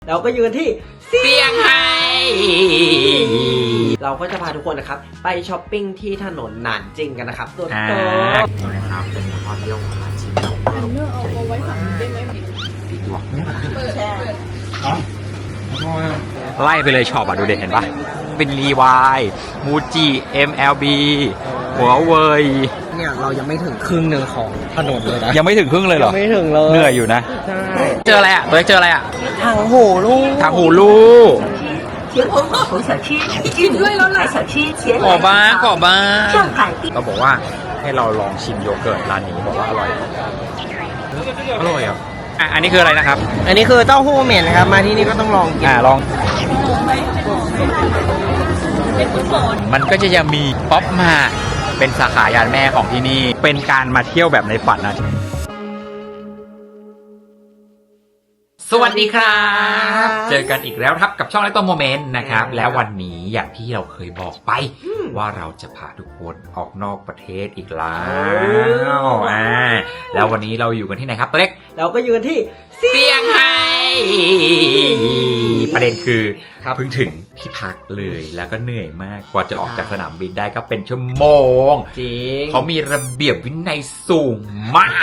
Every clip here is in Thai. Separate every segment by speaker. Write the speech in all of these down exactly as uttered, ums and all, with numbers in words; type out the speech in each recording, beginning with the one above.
Speaker 1: เราก็ยืนที่
Speaker 2: เซี่ยงไฮ้
Speaker 1: เราก็จะพาทุกคนนะครับไปช้อปปิ้งที่ถนนหนานจิงกันนะครับตัวโต
Speaker 2: นะครับเป็นพอเที่ยวของร้านชิมเรา
Speaker 3: อันเนอร์เอาเอาไว้ฝั่งนี้ได้ไหม
Speaker 2: ติดหลอก
Speaker 3: เปิดแชร์
Speaker 2: ไล่ไปเลยช็อปอ่ะดูเด็ดเห็นปะเป็นรีวายมูจิ เอ็ม แอล บี หัวเว่ย
Speaker 1: เนี่ยเรายังไม่ถึงครึ่งหนึ่งของถนนเลยนะ
Speaker 2: ยังไม่ถึงครึ่งเลยเหรอ
Speaker 1: ไม่ถึงเลย
Speaker 2: เหนื่อยอยู่นะ
Speaker 1: ใช่
Speaker 2: เจออะไรอ่ะตัวเล็กเจออะไรอ่ะ
Speaker 1: ทางหูลูก
Speaker 2: ทางหูลูก
Speaker 3: กินด้วยแล้วล่ะ
Speaker 2: ขอบ้างขอบ้างเราบอกว่าให้เราลองชิมโยเกิร์ตร้านนี้บอกว่าอร่อยอร่อยอ่ะอ่ะอันนี้คืออะไรนะครับ
Speaker 1: อันนี้คือเต้าหู้เหม็นนะครับมาที่นี่ก็ต้องลองกิน
Speaker 2: อ่าลองมันก็จะยังมีป๊อปมาเป็นสาขายานแม่ของที่นี่เป็นการมาเที่ยวแบบในฝันนะสวัสดีครับเจอกันอีกแล้วครับกับช่องไลฟ์ตัวโมเมนต์นะครับแล้ววันนี้อย่างที่เราเคยบอกไปว่าเราจะพาทุกคนออกนอกประเทศอีกแล้วอ่าแล้ววันนี้เราอยู่กันที่ไหนครับตัวเล็ก
Speaker 1: เราก็อยู่กันที่
Speaker 2: เซี่ยงไฮ้ประเด็นคือเพิ่งถึงที่พักเลยแล้วก็เหนื่อยมากกว่าจะออกจากสนามบินได้ก็เป็นชั่วโมง
Speaker 1: จริง
Speaker 2: เขามีระเบียบวินัยสูงมาก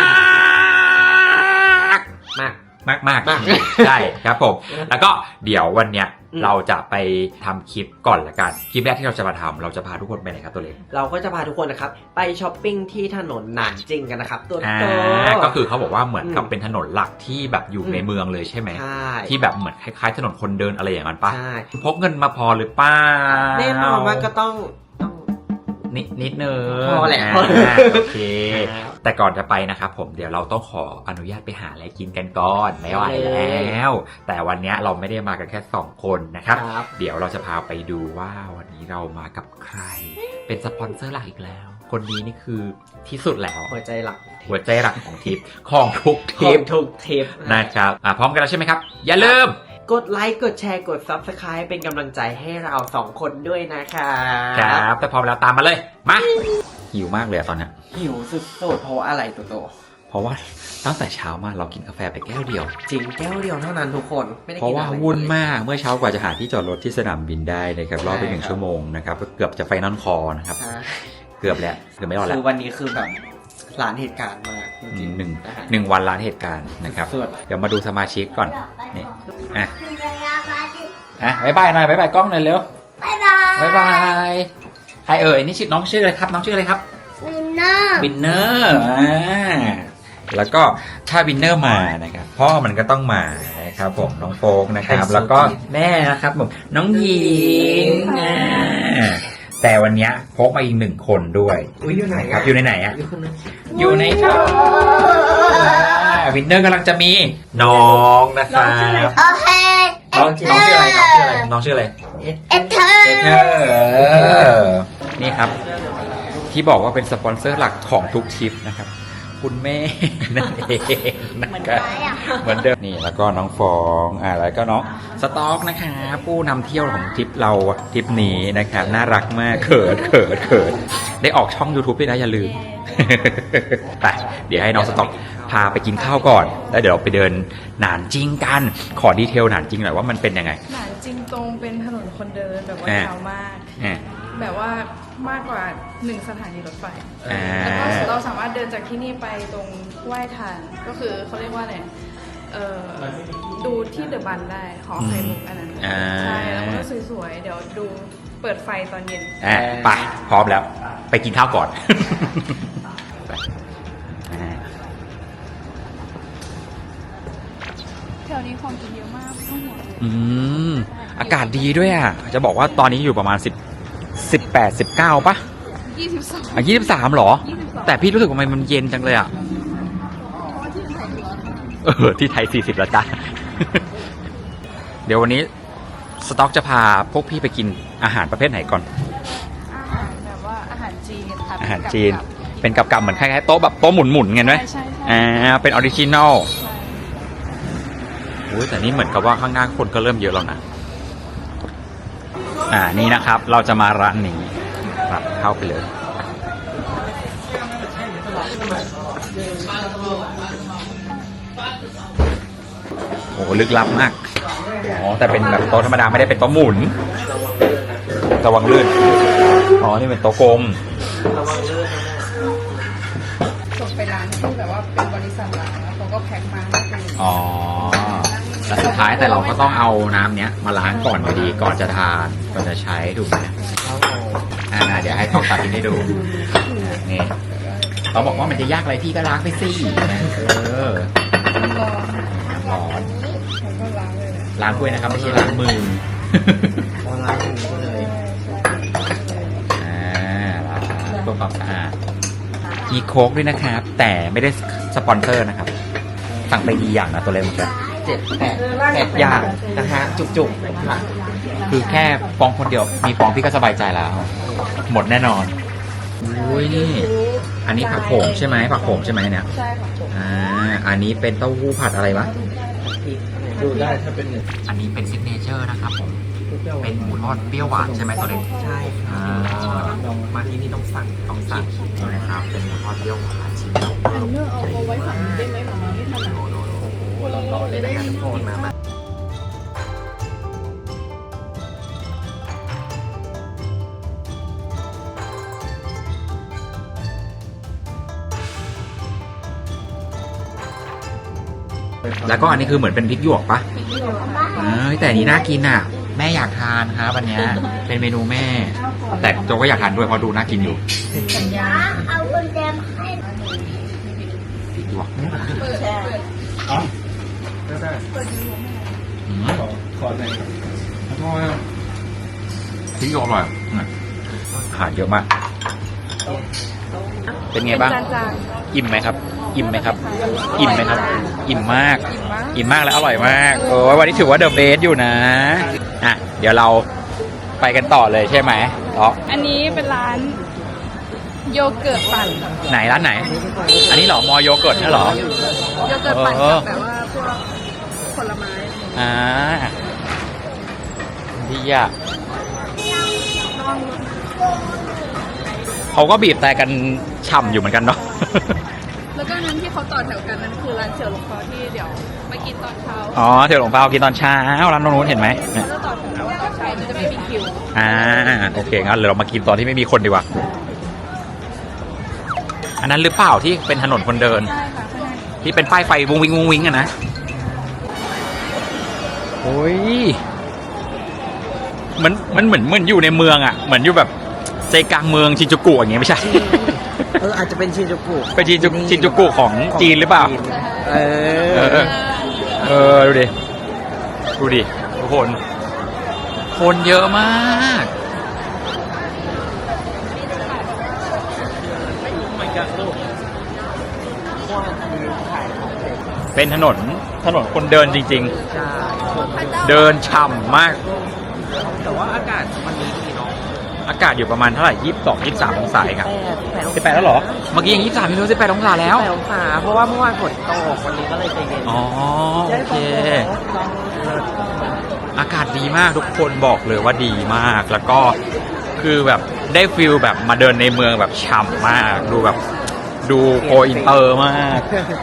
Speaker 1: มาก
Speaker 2: มากมากใช่ครับผมแล้วก็เดี๋ยววันเนี้ยเราจะไปทำคลิปก่อนละกันคลิปแรกที่เราจะมาทำเราจะพาทุกคนไปไหนครับตัวเล็ก
Speaker 1: เราก็จะพาทุกคนนะครับไปช้อปปิ้งที่ถนนหนานจิงกันนะครับตัวโต
Speaker 2: ก็คือเขาบอกว่าเหมือนกับเป็นถนนหลักที่แบบอยู่ในเมืองเลยใช่ไหม
Speaker 1: ใช่
Speaker 2: ที่แบบเหมือนคล้ายๆถนนคนเดินอะไรอย่างนั้นปะพกเงินมาพอหรือเปล่า
Speaker 1: แน่นอนว่าก็ต้อง
Speaker 2: นิดนิดนึง
Speaker 1: พอแหละ
Speaker 2: โอเคแต่ก่อนจะไปนะครับผมเดี๋ยวเราต้องขออนุญาตไปหาอะไรกินกันก่อนไม่ไหวแล้วแต่วันนี้เราไม่ได้มากันแค่สองคนนะครับเดี๋ยวเราจะพาไปดูว่าวันนี้เรามากับใครเป็นสปอนเซอร์หลักอีกแล้วคนนี้นี่คือที่สุดแล้ว
Speaker 1: หัวใจหลัก
Speaker 2: หัวใจหลักของทริปของทุกทริป
Speaker 1: ทุกทริป
Speaker 2: นะครับพร้อมกันแล้วใช่ไหมครับอย่าลืม
Speaker 1: กดไลค์กดแชร์กด ซับสไครบ์ เป็นกำลังใจให้เราสองคนด้วยนะคะ
Speaker 2: ครับแต่พร้อมแล้วตามมาเลยมาหิวมากเลยตอนนี้
Speaker 1: หิวสุดๆเพราะว่าอะไรตัวโต
Speaker 2: เพราะว่าตั้งแต่เช้ามาเรากินกาแฟไปแก้วเดียว
Speaker 1: จริงแก้วเดียวเท่านั้นทุกคน
Speaker 2: ไม่ได้กินอะไรเพราะว่าวุ่นมากเมื่อเช้ากว่าจะหาที่จอดรถที่สนามบินได้นะครับรอไปหนึ่งชั่วโมงนะครับเกือบจะไฟนอลคอนะครับเกือบแล้วเกือบไม่รอดแล้ว
Speaker 1: คือวันนี้คือแบบร้านเหตุการณ์มาก
Speaker 2: จริงหนึ่งหนึ่งวันร้านเหตุการณ์นะครับเดี๋ยวมาดูสมาชิกก่อนนี่อ่ะอ่ะบ๊ายบายหน่อยบ๊ายบายกล้องหน่อยเร็ว
Speaker 3: บ๊ายบาย
Speaker 2: บ๊ายบายใครเอ่ยนี่ชื่อน้องชื่ออะไรครับน้องชื่ออะไรครับ
Speaker 3: วินเนอร์
Speaker 2: วินเนอร์อ่าแล้วก็ถ้าวินเนอร์มานะครับพ่อมันก็ต้องมานะครับผมน้องโฟกนะครับแล้วก็แม่นะครับผมน้องหญิงอ่าแต่วันนี้พกมาอีกหนึ่งคนด้วย
Speaker 1: อยู่ไหน
Speaker 2: ครับอยู่ในไหนอ่ะอยู่ในท้องวินเนอร์กำลังจะมีน้องนะครับ
Speaker 3: โอเค
Speaker 2: น้องน้องชื่ออะไรน้องชื่ออะไรน้องชื่ออะไร
Speaker 3: เอเธอร์
Speaker 2: เอเธอร์นี่ครับที่บอกว่าเป็นสปอนเซอร์หลักของทุกทริปนะครับคุณแม่นั่นเองนะครับเหมือนเดิมนี่แล้วก็น้องฟองอ่าแล้วก็น้องสต๊อกนะคะผู้นำเที่ยวของทริปเราทริปนี้นะครับน่ารักมากเขินเขินเขินได้ออกช่อง ยูทูบ ด้วยนะอย่าลืมไปเดี๋ยวให้น้องสต๊อกพาไปกินข้าวก่อนแล้วเดี๋ยวเราไปเดินหนานจิงกันขอดีเทลหนานจิงหน่อยว่ามันเป็นยังไง
Speaker 3: หนานจิงตรงเป็นถนนคนเดินแบบว่ายาวมากแบบว่ามากกว่าหนึ่งสถานีรถไฟแล้วก็เราสามารถเดินจากที่นี่ไปตรงไหว้ทานก็คือเขาเรียกว่าอะไรดูที่เดอะบันได้หอไข่มุกอันนั้นใช่แล้วก็สวยๆเดี๋ยวดูเปิดไฟตอนเย็น
Speaker 2: ไปพร้อมแล้วไปกินข้าวก่อน
Speaker 3: แถวนี้ของกินเยอะมากไม่ต้องห่วงเลย
Speaker 2: อืมอากาศดีด้วยอ่ะจะบอกว่าตอนนี้อยู่ประมาณสิบสิบแปดสิบเก้าป่ะ
Speaker 3: ยี่สิบสอง
Speaker 2: อ่ะยี่สิบสามหรอแต่พี่รู้สึกว่ามันเย็นจังเลยอ่ะเออที่ไทยสี่สิบแล้วจ้ะเดี๋ยววันนี้สต๊อกจะพาพวกพี่ไปกินอาหารประเภทไหนก่อน
Speaker 3: อาหารแบบว่าอาหารจีนค่ะ
Speaker 2: อาหารจีนเป็นกับๆเหมือนคล้ายๆโต๊ะแบบโต๊ะหมุนๆไงไหม
Speaker 3: ใช่
Speaker 2: อ่าเป็นออริจินอลโอ้ยแต่นี่เหมือนกับว่าข้างหน้าคนก็เริ่มเยอะแล้วนะอ่านี่นะครับเราจะมาร้านนี้ครับเข้าไปเลยโอ้ลึกลับมากอ๋อแต่เป็นแบบโต๊ะธรรมดาไม่ได้เป็นโต๊ะหมุนระวังลื่นอ๋อนี่เป็นโต๊ะกลม
Speaker 1: ระวังลื่นนะ
Speaker 3: ส่งไปร้านที่แบบว่าเป็นบริษัทหลักแล้วเขาก็แพ็คมาให้เป็น
Speaker 2: อ๋อแต่สุดท้ายแต่เราก็ต้องเอาน้ำเนี้ยมาล้างก่อนอยู่ดีก่อนจะทานก่อนจะใช้ถูกไหมอ่าเดี๋ยวให้ต้องตัดทิ้งให้ดูนี่เขาบอกว่ามันจะยากอะไรพี่ก็ล้างไปสิเออ
Speaker 3: ร้อน
Speaker 2: น้ำร้อน
Speaker 3: ผมก็ล้างเลยนะ
Speaker 2: ล้างด้วยนะครับไม่ใช่ล้างมือ
Speaker 1: พอล้างอย่างนี้เลย
Speaker 2: อ่าล้างเพื่อความสะอาดมีโค้กด้วยนะครับ แต่ไม่ได้สปอนเซอร์นะครับสั่งไปดีอย่างนะตัวเล็กมันจะ
Speaker 1: เจ็ดแปดแปดอย่างนะฮะจุกๆค่ะ
Speaker 2: คือแค่ฟองคนเดียวมีฟองพี่ก็สบายใจแล้ว หมดแน่นอนอุ้ยนี่ อันนี้ผักโขมใช่ไหมผักโขมใช่ไหมเนี่ย
Speaker 3: ใช่ค่ะผม
Speaker 2: อ่าอันนี้เป็นเต้าหู้ผัดอะไรวะ
Speaker 1: ดูได้ถ้าเป็นหนึ่ง
Speaker 2: อันนี้เป็นซิกเนเจอร์นะครับผมเป็นหมูทอดเปรี้ยวหวานใช่ไหมตัวเล็ก
Speaker 1: ใช่ค่ะ
Speaker 2: อ่า
Speaker 1: มาที่นี่ต้องสั่งต้องสั่ง
Speaker 2: นี่นะครับเป็นหมูทอดเปรี้ยวหวานชิ้นเดียว
Speaker 3: อันเนอร์เอาเอาไว้ฝั่งนี้ได้ไหมฝั่งนี้ไม่ถนัด
Speaker 1: โอ้โหร้อนๆเลยนะฮะทุกคนมามา
Speaker 2: แล้วก็อันนี้คือเหมือนเป็นพริกหยวกปะเอ้ยแต่อันนี้น่ากินอ่ะ แม่อยากทานครับวันเนี้ยเป็นเมนูแม่ แต่โจก็อยากทานด้วยเพราะดูน่ากินอยู่
Speaker 4: เอากุญแจมาให้
Speaker 2: พริกหยวก
Speaker 1: ก็ได้
Speaker 2: อืม
Speaker 1: ขอหน่อย
Speaker 2: อร่อยอะพริกหยวกอร่อยอาหารเยอะมาก เป็นไงบ้าง
Speaker 3: จาน
Speaker 2: อิ่มไหมครับ อิ่มไหมครับ อิ่มไหมครับ อิ่มมาก
Speaker 3: ๆอิ่มมาก
Speaker 2: อิ่มมากและอร่อยมาก โอ้ยวันนี้ถือว่าเดอะเบสอยู่นะ อ่ะ เดี๋ยวเราไปกันต่อเลยใช่ไหมอ๋อ
Speaker 3: อันนี้เป็นร้านโยเกิร์ตปั่น
Speaker 2: ไหนร้านไหน อันนี้เหรอ มอโยเกิร์ตเนี่ยเหรอ
Speaker 3: โยเกิร์ตปั่น
Speaker 2: เอ
Speaker 3: กั
Speaker 2: อ
Speaker 3: บแบบว่าพวกผลไม้
Speaker 2: อ่าดีอ่ะเขาก็บีบแต่กันฉ่ำอยู่เหมือนกันเนาะ
Speaker 3: แล้วก็นั้นที่เขาต่อแถวกันนั่นคือร้านเสี่ยวหลงเปาที่เดี๋ยวไปกินตอนเช้า
Speaker 2: อ๋อเที่ยวหลวงเปากินตอนเช้าร้านตรงนู้นเห็นไหม
Speaker 3: เขาจะต่อแถวตอนเช้ามันจะไม่มีคิว
Speaker 2: อ่าโอเคงั้นเดี๋ยวเรามากินตอนที่ไม่มีคนดีกว่า อันนั้นหรือเปล่าที่เป็นถนนคนเดิน
Speaker 3: ใช่ค่ะข้างใน
Speaker 2: ที่เป็นป้ายไฟวุ้งวิงวุ้งวิงอะนะโอ้ยมันมันเหมือนเหมือนอยู่ในเมืองอะเหมือนอยู่แบบใจกลางเมืองชินจูกุอย่างเงี้ยไม่ใช่
Speaker 1: เอออาจจะเป็นชินจูกุ
Speaker 2: เป็นชินจูชินจูกุของจีนหรือเปล่า
Speaker 1: เอ
Speaker 2: เอ
Speaker 1: อ
Speaker 2: อ เออ ดูดิ ดูดิ ทุกคน คนเยอะมาก เป็นถนน ถนนคนเดินจริง
Speaker 1: ใช่
Speaker 2: ๆ เดินฉ่ำมาก
Speaker 1: แต่ว่าอากาศวันนี้ดีเนาะ
Speaker 2: อากาศอยู่ประมาณเท่าไหร่ยี่สิบสอง ยี่สิบสามองศาเองครับ
Speaker 1: แปด
Speaker 2: สิบแปดแล้วเหรอ เมื่อกี้ยังยี่สิบสามไม่รู้สิบแปดองศาแล้ว
Speaker 1: แปดองศาเพราะว่าเมื่อวานฝนตกวันนี้ก็เลยใจเย็น
Speaker 2: อ๋อ โอเค อากาศดีมากทุกคนบอกเลยว่าดีมาก แล้วก็คือแบบได้ฟิลแบบมาเดินในเมืองแบบฉ่ำมาก ดูแบบดูโกอินเตอร์มาก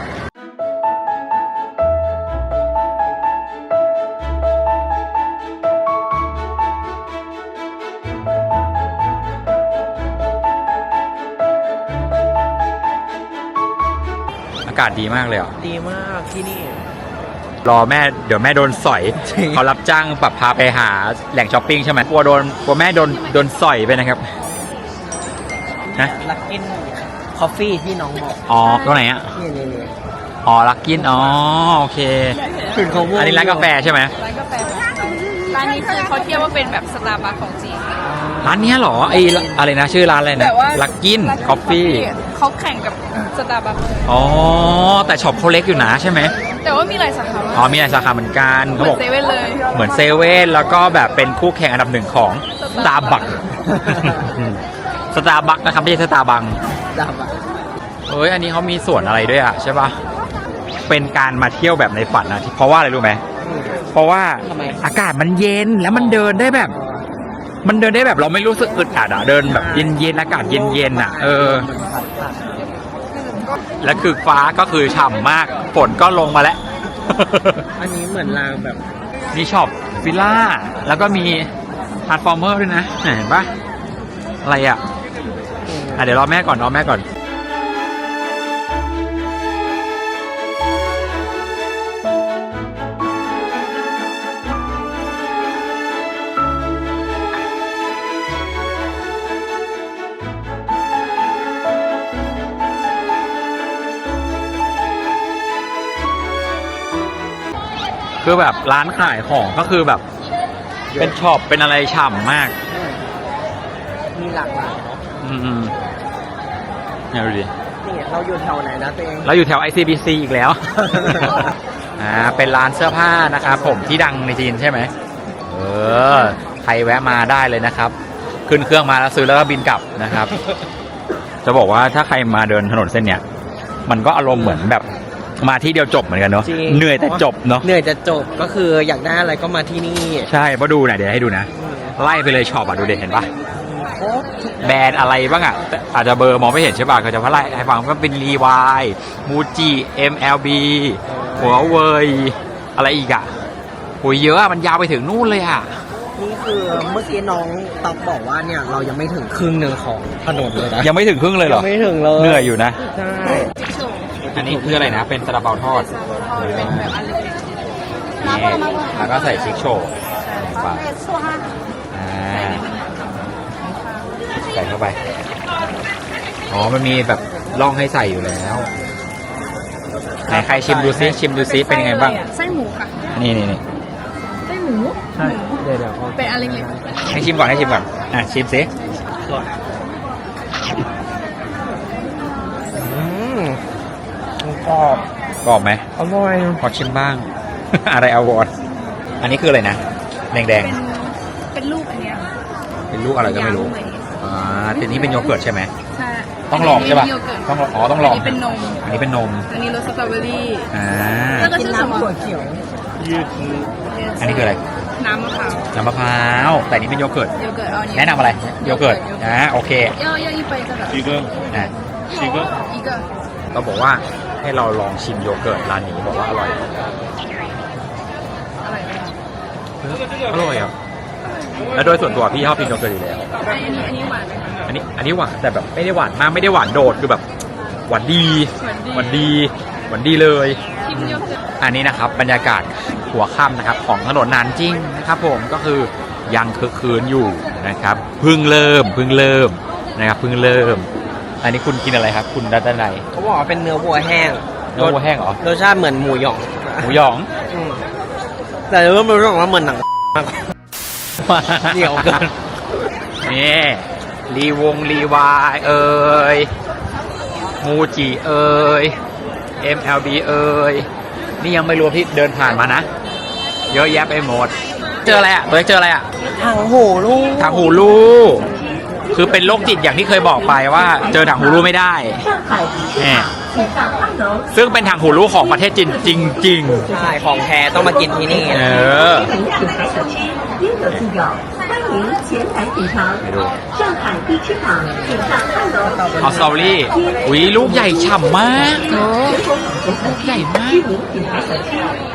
Speaker 2: อากาศดีมากเลยอ่ะ
Speaker 1: ดีมากที่นี่
Speaker 2: รอแม่เดี๋ยวแม่โดนสอย
Speaker 1: จริง
Speaker 2: เขารับจ้างปรับพาไปหาแหล่งช้อปปิ้งใช่ไหมกลัวโดนกลัวแม่โดนโดนสอยไปนะครับฮะ
Speaker 1: ลักกินคอฟฟี่ที่น้องบอก
Speaker 2: อ๋อตรงไหนอ่ะ
Speaker 1: นี่นี่นี่
Speaker 2: อ๋อลักกินอ๋อโอเค
Speaker 1: ถึงเขาม่วง
Speaker 2: อันนี้ร้านกาแฟใช่ไหม
Speaker 3: ร้านกาแฟแบบร้านนี้คือเขาเทียบว่าเป็นแบบสตาร์บัคของจีน
Speaker 2: ร้านเนี้ยเหรอไออะไรนะชื่อร้านอะไรนะ
Speaker 3: แบบว่า
Speaker 2: ลักกินคอฟฟี่
Speaker 3: เขาแข่งกับสตาร์บัค
Speaker 2: อ๋อแต่ช็อปเขาเล็กอยู่นะใช่ไหม
Speaker 3: แต่ว่ามีหลายสาขา
Speaker 2: อ๋อมีหลายสาขาเหมือนกัน
Speaker 3: เห
Speaker 2: เขา
Speaker 3: มือบ
Speaker 2: อน ก
Speaker 3: เซเว่นเลย
Speaker 2: เหมือนเซเว่นแล้วก็แบบเป็นคู่แข่งอันดับหนึ่งของสตาร์บัค สตาร์บัคนะครับไม่ใช่สตาร์บัง
Speaker 1: ดับอ่ะ
Speaker 2: เอ้ยอันนี้เขามีสวนอะไรด้วยอ่ะใช่ปะเป็นการมาเที่ยวแบบในฝันนะที่เพราะว่าอะไรรู้ไหมเพราะว่าอากาศมันเย็นแล้วมันเดินได้แบบ มันเดินได้แบบเราไม่รู้สึกอึดอัดอ่ะเดินแบบเย็นๆอากาศเย็นๆอ่ะเออและคือฟ้าก็คือฉ่ำมากฝนก็ลงมาแล้ว
Speaker 1: อันนี้เหมือนรางแบบ
Speaker 2: มีช็อปฟิลล่าแล้วก็มีทรานส์ฟอร์เมอร์ด้วยนะเห็นปะอะไรอ่ะอ่ะเดี๋ยวรอแม่ก่อนรอแม่ก่อนคือแบบร้านขายของก็คือแบบเป็นช็อปเป็นอะไรฉ่ำมาก
Speaker 1: มีหลากหลายเนาะ
Speaker 2: อืมๆเนี่ยดูดิ
Speaker 1: นี่เราอยู่แถวไหนนะตัวเอง
Speaker 2: เราอยู่แถว ไอ ซี บี ซี อีกแล้ว อ่า เป็นร้านเสื้อผ้านะครับผมที่ดังในจีนใช่ไหม เออ ใครแวะมาได้เลยนะครับ ขึ้นเครื่องมาแล้วซื้อแล้วก็บินกลับนะครับ จะบอกว่าถ้าใครมาเดินถนนเส้นเนี้ย มันก็อารมณ์เหมือนแบบมาที่เดียวจบเหมือนกันเนาะ เหนื่อยแต่จบเนาะ
Speaker 1: เหนื่อยจะจบก็คืออยากได้อะไรก็มาที่นี่
Speaker 2: ใช่มาดูหน่อยเดี๋ยวให้ดูนะ ไล่ไปเลยช็อปอ่ะดูเด็ดเห็นปะแบรนด์อะไรบ้างอ่ะแต่อาจจะเบอร์มองไม่เห็นใช่ป่ะเขาจะว่าไล่ให้ฟังก็เป็นรีวายมูจิ เอ็ม แอล บี หัวเวยอะไรอีกอ่ะโหยเยอะอะมันยาวไปถึงนู่นเลยอ่ะ
Speaker 1: นี่คือเมื่อกี้น้องตอกบอกว่าเนี่ยเรายังไม่ถึงครึ่งหนึ่งของถนนเลยนะ
Speaker 2: ยังไม่ถึงครึ่งเลยเหรอ
Speaker 1: ยังไม่ถึงเลย
Speaker 2: เหนื่อยอยู่นะ
Speaker 1: ใช่
Speaker 2: อันนี้คืออะไรนะ เป็นซาลาเปาทอด
Speaker 3: เป็นแบบอันเล็ก
Speaker 2: แล้วก็ใส่ชิคโชว์ไปอ่าใส่เข้าไป อ๋อ มันมีแบบร่องให้ใส่อยู่แล้วไหนใครชิมดูซิ ชิมดูซิ เป็นยังไงบ้าง
Speaker 3: ไส้หมูค่ะ
Speaker 2: นี่นี่นี่
Speaker 3: ไส้หมู
Speaker 1: ใช่เดี๋ยวเดี๋ยว
Speaker 3: เป็นอันเล็ก
Speaker 2: ให้ชิมก่อนให้ชิมก่อน อ่ะ ชิมซิ
Speaker 1: อืมกรอบ
Speaker 2: กรอบไหม
Speaker 1: อร่อย
Speaker 2: ขอชิมบ้าง อะไรอวอร์ดอันนี้คืออะไรนะ แดง
Speaker 3: ๆ
Speaker 2: แดง
Speaker 3: เป็นเป็นลูกอันเนี้ย
Speaker 2: ๆเป็นลูกอะไรก็ไม่รู้
Speaker 3: ยางเหมย
Speaker 2: อ่าแต่นี้เป็นโยเกิร์ตใช่ไหม
Speaker 3: ใช่
Speaker 2: ต้องลองใช่ป่ะ
Speaker 3: นนี้โยเกิร์ต
Speaker 2: ต้องลองอ๋อ ต้องลอง
Speaker 3: นนี้เป็นนม
Speaker 2: อันนี้เป็นนม
Speaker 3: อันนี้รสสตรอเบอรี่
Speaker 2: อ่า
Speaker 3: แล้วก็ชื่อสมอ
Speaker 1: ถั่วเขียวยืด
Speaker 2: อันนี้คืออะไร
Speaker 3: น้ำมะพร้าว
Speaker 2: น้ำมะพร้าว แต่อันนี้เป็นโยเกิร์ต
Speaker 3: โยเกิร์ตเอาอันนี้
Speaker 2: แนะนำอะไร โยเกิร์ต อ่า โอเค
Speaker 3: 要要一杯这个
Speaker 2: ชีเกอร์อ่าชีเกอร์
Speaker 3: 一个
Speaker 2: เราบอกว่าให้เราลองชิมโยเกิร์ตร้านนี้บอกว่าอร่อย
Speaker 3: อะไรนะ
Speaker 2: อร่อยอ่ะ แล้วโดยส่วนตัวพี่ชอบกินโยเกิร์ตอยู่แล้ว
Speaker 3: อันนี้อันนี้หวานไหมคะ
Speaker 2: อันนี้อันนี้หวานแต่แบบไม่ได้หวานมากไม่ได้หวานโดดคือแบบหวานดี
Speaker 3: หวานดี
Speaker 2: หวานดีหวานดีเลย
Speaker 3: ชิมโยเกิร์ต
Speaker 2: อันนี้นะครับบรรยากาศหัวค่ำนะครับของถนนนานจริงนะครับผมก็คือยังคึกคืนอยู่นะครับเพิ่งเริ่มเพิ่งเริ่มนะครับเพิ่งเริ่ม อันนี้คุณกินอะไรครับ คุณดัตไน
Speaker 1: เขาบอกว่าเป็นเนื้อวัวแห้ง
Speaker 2: เนื้อวัวแห้งเหรอ
Speaker 1: รสชาติเหมือนหมูหยอง
Speaker 2: หมูหยอง
Speaker 1: อืมแต่เริ่มรู้สึกว่าเหมือนหนังมาก เหนียวเกิน
Speaker 2: นี่รีวงรีวายเอ่ยมูจิเอ่ย เอ็ม แอล บี เอ่ยนี่ยังไม่รวมที่เดินผ่านมานะ เยอะแยะไปหมด เจออะไรอ่ะตัวเล็กเจออะไรอ่ะ
Speaker 1: ถังโหลูก
Speaker 2: ถังหูรูคือเป็นโรคจิตอย่างที่เคยบอกไปว่า เจอถังหูรูไม่ได้แหมซึ่งเป็นถังหูรูของประเทศจีนจริง
Speaker 1: ใช่ของแท้ต้องมากินที่นี่
Speaker 2: ๆ เออ
Speaker 5: 应有尽有，欢迎前来品尝。上海地区坊，请上二楼。
Speaker 2: เอาสตรอเบอรี่อุ้ยลูกใหญ่ฉ่ำมากเธอลูกใหญ่มาก
Speaker 5: 知名品牌小吃。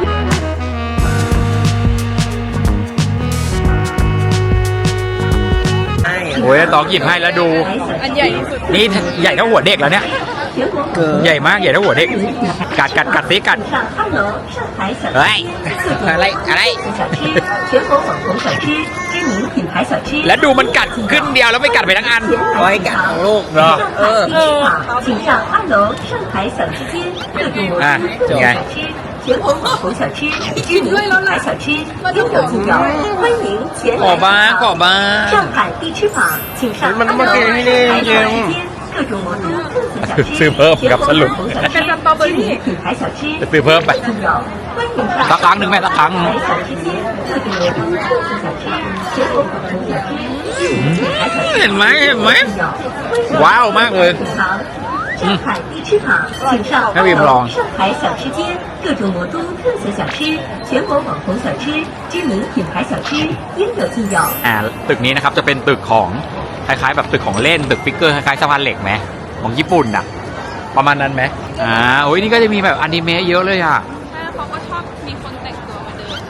Speaker 1: ใช่
Speaker 2: โอ้ยตองหยิบให้แล้วดู
Speaker 3: อันใหญ่ที่สุด
Speaker 2: นี่ใหญ่เท่าหัวเด็กแล้วเนี่ย
Speaker 1: เกิน
Speaker 2: ใหญ่มากใหญ่เท่าหัวเด็ก กัดกัดกัดซิกัด
Speaker 5: 上二楼，上海小
Speaker 2: เฮ้ย อะไรอะไร
Speaker 5: 小吃，全国网红小吃，知名品牌小吃。
Speaker 2: แล้วดูมันกัดขึ้นเดียวแล้วไม่กัดไปทั้งอัน
Speaker 1: เอาไว้กัดของลูก
Speaker 2: เหรอ
Speaker 5: 上海地区坊，请上二楼上海小吃街，各种模
Speaker 2: 啊
Speaker 5: 式各种
Speaker 2: 你看
Speaker 5: 小吃，全国网红小吃，知名品牌小吃，应有尽有，欢迎前
Speaker 2: ขอ
Speaker 5: 来
Speaker 2: บ้าง
Speaker 5: 品
Speaker 2: ขอ
Speaker 5: 尝。
Speaker 2: บ้าง
Speaker 5: 上海地区坊，请上二楼上海小吃街，各种魔都特色小吃，
Speaker 2: ซื้อเพิ่ม
Speaker 5: 全
Speaker 2: กับ
Speaker 5: 国
Speaker 2: สรุป
Speaker 5: 网红小
Speaker 3: เป็น
Speaker 5: 吃
Speaker 3: สตรอเบอรี่
Speaker 5: 品牌小吃，
Speaker 2: จะซื้อเพิ่มไป
Speaker 5: 重要，欢迎上
Speaker 2: สักครั้งหนึ่งแม่สักครั้งหนึ่ง
Speaker 5: 海小吃街，各种魔都特色小吃，全国网红小吃，知名品牌小吃，
Speaker 2: เห็นไหมเห็นไหม
Speaker 5: 重要，欢迎
Speaker 2: ว้าวมากเลย
Speaker 5: 品尝。上海地区坊，请上
Speaker 2: ให้
Speaker 5: 二
Speaker 2: วิมลอง
Speaker 5: 楼上海小吃街，各种魔都特色小吃，全国网红小吃，知名品牌小吃，应有尽有。
Speaker 2: อ่าตึกนี้นะครับจะเป็นตึกของคล้ายๆแบบตึกของเล่นตึกฟิกเกอร์คล้ายๆสะพานเหล็กไหมของญี่ปุ่นอ่ะ ประมาณนั้นไหมอ่าโอ้ยนี่ก็จะมีแบบอนิเมะเยอะเลยอ่ะ
Speaker 3: เขาก็ชอบ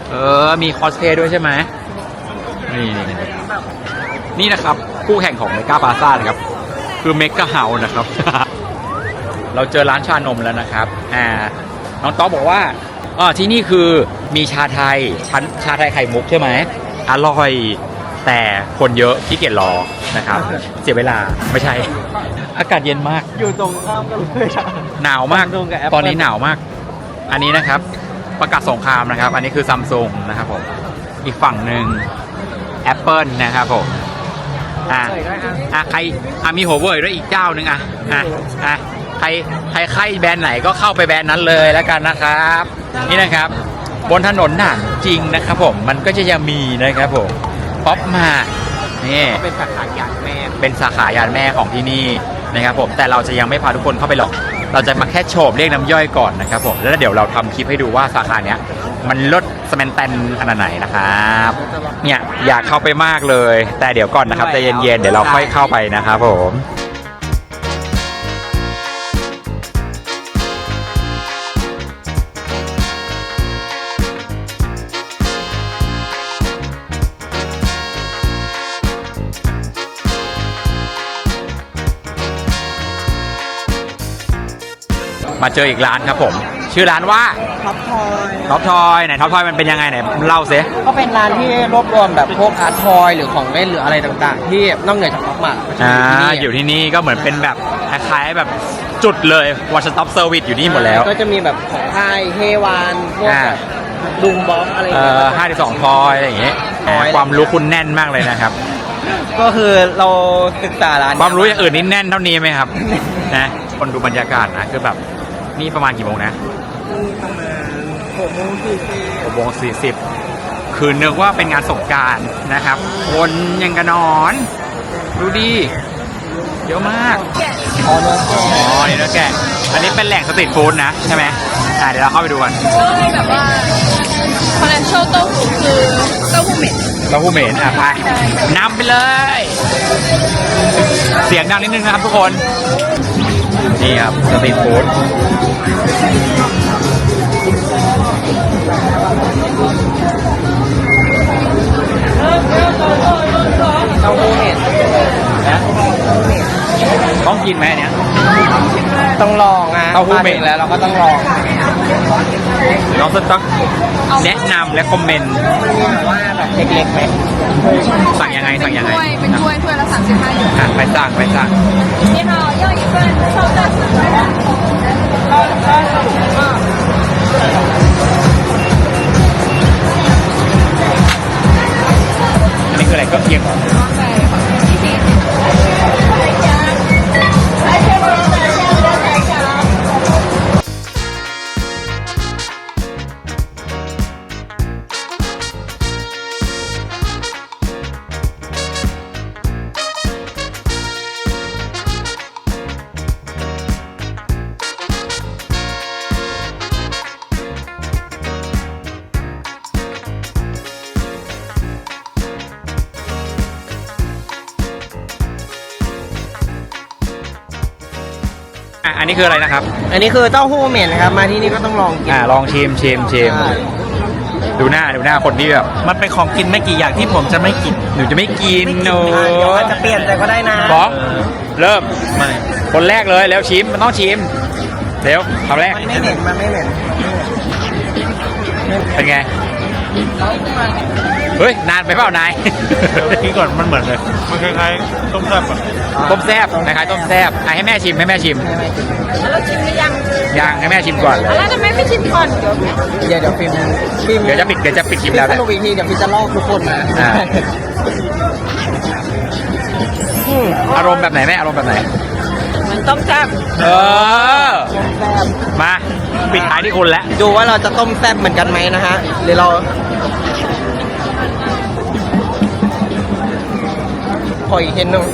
Speaker 2: เออ มีคอสเพลย์ด้วยใช่ไหมนี่นี่นี่นะครับ คู่แข่งของเมกาพาซ่านะครับ คือเมกาเฮาส์นะครับ เราเจอร้านชานมแล้วนะครับ อ่า น้องต๊อบบอกว่าอ๋อที่นี่คือมีชาไทยชั้นชาไทยไข่มุกใช่ไหม อร่อย แต่คนเยอะขี้เกียจรอนะครับ เสียเวลา ไม่ใช่ อากาศเย็นมาก
Speaker 1: อยู่ตรงข้ามกันเลยอะ
Speaker 2: หนาวมาก
Speaker 1: Samsung กับ Apple
Speaker 2: ตอนนี้หนาวมาก อันนี้นะครับ ประกาศสงครามนะครับ อันนี้คือซัมซุงนะครับผม อีกฝั่งหนึ่ง Apple นะครับผม อ่ะอ่ะใครอ่ะมีหัวเว่ยด้วยอีกเจ้าหนึ่งอ่ะอ่ะอ่ะใครใครใครแบรนด์ไหนก็เข้าไปแบรนด์นั้นเลยแล้วกันนะครับ นี่นะครับ บนถนนหนานจริงนะครับผม มันก็จะยังมีนะครับผม ป๊อปมานี่
Speaker 1: เป็นสาขายานแม่
Speaker 2: เป็นสาขายานแม่ของที่นี่นะครับผม แต่เราจะยังไม่พาทุกคนเข้าไปหรอก เราจะมาแค่โฉบเรียกน้ำย่อยก่อนนะครับผม แล้วเดี๋ยวเราทำคลิปให้ดูว่าสาขาเนี้ยมันลดสแมนแตนขนาดไหนนะครับ เนี่ยอยากเข้าไปมากเลย แต่เดี๋ยวก่อนนะครับใจเย็นๆ เดี๋ยวเราค่อยเข้าไปนะครับผม มาเจออีกร้านครับผม ชื่อร้านว่า
Speaker 1: ท็อปทอย
Speaker 2: ท็อปทอยไหนท็อปทอยมันเป็นยังไงไหนเล่าสิ
Speaker 1: ก็เป็นร้านที่รวบรวมแบบพวกอาร์ตทอยหรือของเล่นหรืออะไรต่างๆ ที่นอกเหนือจากท็อปมาร์ท
Speaker 2: อ่าอยู่ที่นี่ก็เหมือนเป็นแบบคล้ายๆแบบจุดเลย one stop service อยู่นี่หมดแล้ว
Speaker 1: ก็จะมีแบบของค่ายเฮวานพวก
Speaker 2: อ่า
Speaker 1: แบบดุงบ็อกอะไร
Speaker 2: เอ่
Speaker 1: เงี้
Speaker 2: อย ห้าสิบสองทอยอะไรอย่างเงี้ย
Speaker 1: ทอย
Speaker 2: ความรู้คุณแน่นมากเลยนะครับ
Speaker 1: ก็คือเราศึกษาร้าน
Speaker 2: ความรู้อย่างอื่นนี่แน่นเท่านี้ไหมครับ นะคนดูบรรยากาศนะคือแบบนี่ประมาณกี่โมงนะ
Speaker 1: ประมาณหกโมงสี่สิบ
Speaker 2: หกโมงสี่สิบคือนึกว่าเป็นงานสงกรานต์นะครับคนยังกระนอน ดูดีเยอะมาก
Speaker 1: อ๋อเนื้อแกะ
Speaker 2: อ๋อนี่เนื้อแกะอันนี้เป็นแหล่งสตรีทฟู้ดนะใช่ไหมอ่าเดี๋ยวเราเข้าไปดูกัน
Speaker 3: ก็มีแบบว่าคอนเนชั่นเต้าหู้คือเต้าหู้เหม็น
Speaker 2: เราผู้เหม็นอ่ะไปนำไปเลย เสียงดังนิดนึงนะครับทุกคน นี่ครับสตรีทฟู้ด
Speaker 1: เต้าหู้เห็ด
Speaker 2: นะต้องกินไหมอันเนี้ย
Speaker 1: ต้องลองนะ
Speaker 2: เต้าหู้เหม็น
Speaker 1: มถึงแล้วเราก็ต้องลอง
Speaker 2: น้องสต๊อกแนะนำและคอมเมนต์
Speaker 1: มีแบบว่าแบบเล็กๆไหม
Speaker 2: สั่งยังไงสั่งยังไง
Speaker 3: ถ้วยเป็นถ้วยถ้วยละสามสิบห้าหยวน
Speaker 2: อ่ะไปสั่งไปสั่ง
Speaker 3: 你好，要一份烧蛋四十元。
Speaker 2: อันนี้คืออะไรก็เคียงเหรอ
Speaker 3: ใช่ค่ะยี่สิบ
Speaker 2: อ่ะอันนี้คืออะไรนะครับ
Speaker 1: อันนี้คือเต้าหู้เหม็นนะครับ มาที่นี่ก็ต้องลองกิน
Speaker 2: อ่าลองชิมชิมชิม
Speaker 1: ใช่
Speaker 2: ดูหน้าดูหน้าคนที่แบบ
Speaker 1: มันเป็นของกินไม่กี่อย่างที่ผมจะไม่กิน
Speaker 2: หนูจะไม่กินโน
Speaker 1: เดี๋ยวอาจจะเปลี่ยนใจก็ได้นะ
Speaker 2: บอสเริ่ม
Speaker 1: ไม่
Speaker 2: คนแรกเลยแล้วชิมมันต้องชิมเร็วคำแรก
Speaker 1: มันไม่เหม็น มันไม่เหม็น
Speaker 2: เป็นไงเฮ้ยนานไปเปล่านาย
Speaker 6: กินก่อนมันเหมือนเลย มันคล้ายๆต้มแซ่บอะ
Speaker 2: ต้มแซบคล้ายๆต้มแซบอ่ะให้แม่ชิมให้แม่ชิม
Speaker 3: แล้วชิมหรือยัง
Speaker 2: ยังให้แม่ชิมก่อน
Speaker 3: แล้วทำไมไม่ชิมก่อนเดี๋ยว
Speaker 1: เดี๋ยวเดี๋ยวฟิล์มฟิล์ม
Speaker 2: เดี๋ยวจะปิดเดี๋ยวจะปิดคลิป
Speaker 1: ฟิล์
Speaker 2: แล้ว
Speaker 1: มส
Speaker 2: นะ
Speaker 1: รุปอีกทีเดี๋ยวฟิล์มจะลอกทุกคนมา
Speaker 2: อ่า อารมณ์แบบไหนแม่อารมณ์แบบไหน
Speaker 3: เหมือนต้มแซ่บ
Speaker 2: เออมาปิดท้ายที่คุณแล้ว
Speaker 1: ดูว่าเราจะต้มแซ่บเหมือนกันไหมนะฮะหรือเราขออีกเทนหนึง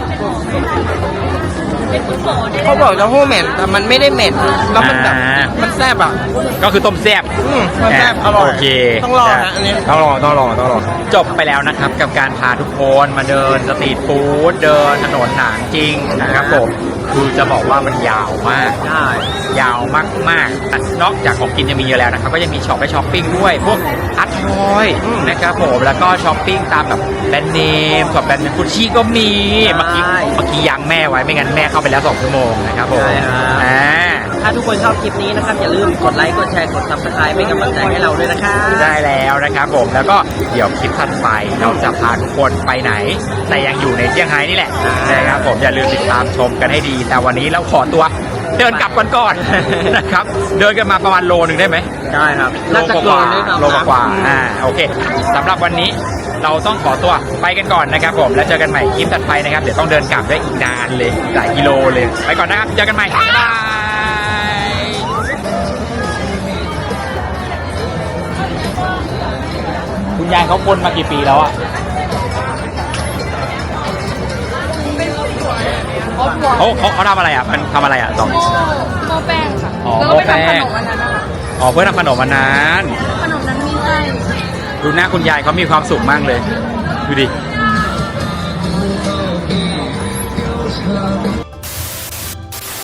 Speaker 1: เขาบอกเต้าหู้เหม็นแต่มันไม่ได้เหม็นแล้วมันแบบ
Speaker 2: อ่ามั
Speaker 1: มันแซ่บอ่ะ
Speaker 2: ก็คือต้มแซ่บ
Speaker 1: อืมต้มแซ่บอร่อย
Speaker 2: โอเค
Speaker 1: ต้องลองนะอันนี้
Speaker 2: ต้องลองต้องลองต้องลองจบไปแล้วนะครับกับการพาทุกคนมาเดินสตรีทฟู้ดเดินถนนหนางจริงนะครับผมคือจะบอกว่ามันยาวมาก
Speaker 1: ใช่
Speaker 2: ยาวมากๆแต่นอกจากของกินจะมีเยอะแล้วนะครับก็ยังมีช็อปให้ช้อปปิ้งด้วยพวกอาร์ตทอยนะครับผมแล้วก็ช้อปปิ้งตามแบบแบรนด์เนมช็อปแบรนด์เนมกุชชี่ก็มีเมื่อกี้เมื่อกี้ยังแม่ไว้ไม่งั้นแม่เข้าไปแล้วสองชั่วโมงนะครับผมอ่า
Speaker 1: ถ้าทุกคนชอบคลิปนี้นะครับอย่าลืมกดไลค์กดแชร์กด ซับสไครบ์เป็นกำลังใจให้เราด้วยนะครับ
Speaker 2: ได้แล้วนะครับผมแล้วก็เดี๋ยวคลิปถัดไปเราจะพาทุกคนไปไหน แต่ยังอยู่ในเซี่ยงไฮ้นี่แหละนะครับผมอย่าลืมติดตามชมกันให้ดี แต่วันนี้เราขอตัวเดินกลับกันก่อน นะครับเดินกันมาประมาณโลนึงได้ไหม
Speaker 1: ได้ครับ
Speaker 2: โล
Speaker 1: น่าจะ
Speaker 2: ก
Speaker 1: เกิ
Speaker 2: ว่าน
Speaker 1: ด้วยครับ
Speaker 2: โลกว่าอ่าโอเคสำหรับวันนี้เราต้องขอตัวไปกันก่อนนะครับผมแล้วเจอกันใหม่คลิปถัดไปนะครับเดี๋ยวต้องเดินกลับได้อีกนานเลยหลายกิโลเลยไปก่อนนะครับเจอกันใหม่บ๊ายบายคุณยายเขาคนมากี่ปีแล้วอะเขาเขาเขาทำอะไรอ่ะมันทำอะไรอ่ะสอง
Speaker 3: โม่โม่แป้งค่ะ
Speaker 2: อ๋อ
Speaker 3: แล้วก็ไป
Speaker 2: โม่แป้ง
Speaker 3: ทำขนมวันนั้นนะคะ
Speaker 2: อ๋อเพื่อทำขนมมานาน
Speaker 3: ขนมนั้นมีไส้
Speaker 2: ดูหน้าคุณยายเขามีความสุขมากเลย ดูดิ
Speaker 3: ใ